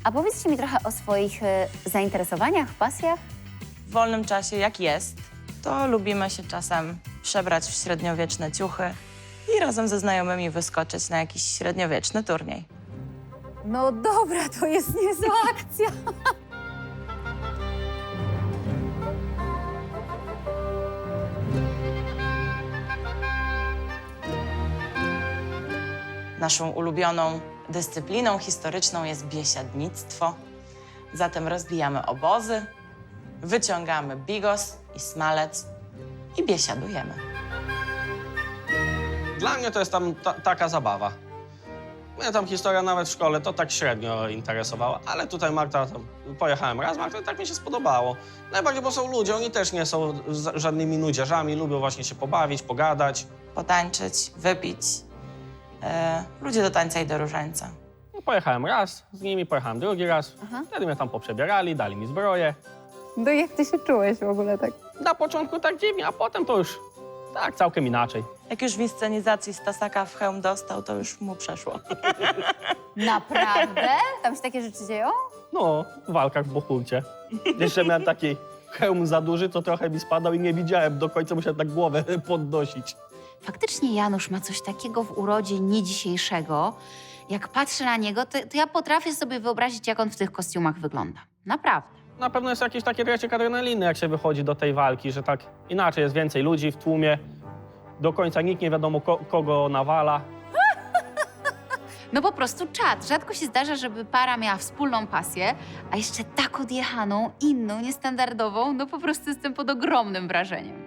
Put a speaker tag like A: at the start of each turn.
A: A powiedzcie mi trochę o swoich zainteresowaniach, pasjach.
B: W wolnym czasie, jak jest, to lubimy się czasem przebrać w średniowieczne ciuchy i razem ze znajomymi wyskoczyć na jakiś średniowieczny turniej.
A: No dobra, to jest niezła akcja.
B: Naszą ulubioną dyscypliną historyczną jest biesiadnictwo. Zatem rozbijamy obozy, wyciągamy bigos i smalec i biesiadujemy.
C: Dla mnie to jest tam taka zabawa. Mnie tam historia nawet w szkole to tak średnio interesowała, ale tutaj Marta, tam pojechałem raz, Marta, tak mi się spodobało. Najbardziej, bo są ludzie, oni też nie są żadnymi nudziarzami, lubią właśnie się pobawić, pogadać.
B: Potańczyć, wypić. Ludzie do tańca i do różańca.
C: No, pojechałem raz, z nimi pojechałem drugi raz, wtedy mnie tam poprzebierali, dali mi zbroję.
A: No jak ty się czułeś w ogóle tak?
C: Na początku tak dziwnie, a potem to już tak całkiem inaczej.
B: Jak już w inscenizacji Stasaka w hełm dostał, to już mu przeszło.
A: Naprawdę? Tam się takie rzeczy dzieją?
C: No, w walkach w Bohulcie. Jeszcze miałem taki hełm za duży, to trochę mi spadał i nie widziałem do końca, musiałem tak głowę podnosić.
A: Faktycznie Janusz ma coś takiego w urodzie nie dzisiejszego. Jak patrzę na niego, to ja potrafię sobie wyobrazić, jak on w tych kostiumach wygląda. Naprawdę.
C: Na pewno jest jakiś taki dreszczyk adrenaliny, jak się wychodzi do tej walki, że tak inaczej jest więcej ludzi w tłumie. Do końca nikt nie wiadomo, kogo nawala.
A: No po prostu czad. Rzadko się zdarza, żeby para miała wspólną pasję, a jeszcze tak odjechaną, inną, niestandardową. No po prostu jestem pod ogromnym wrażeniem.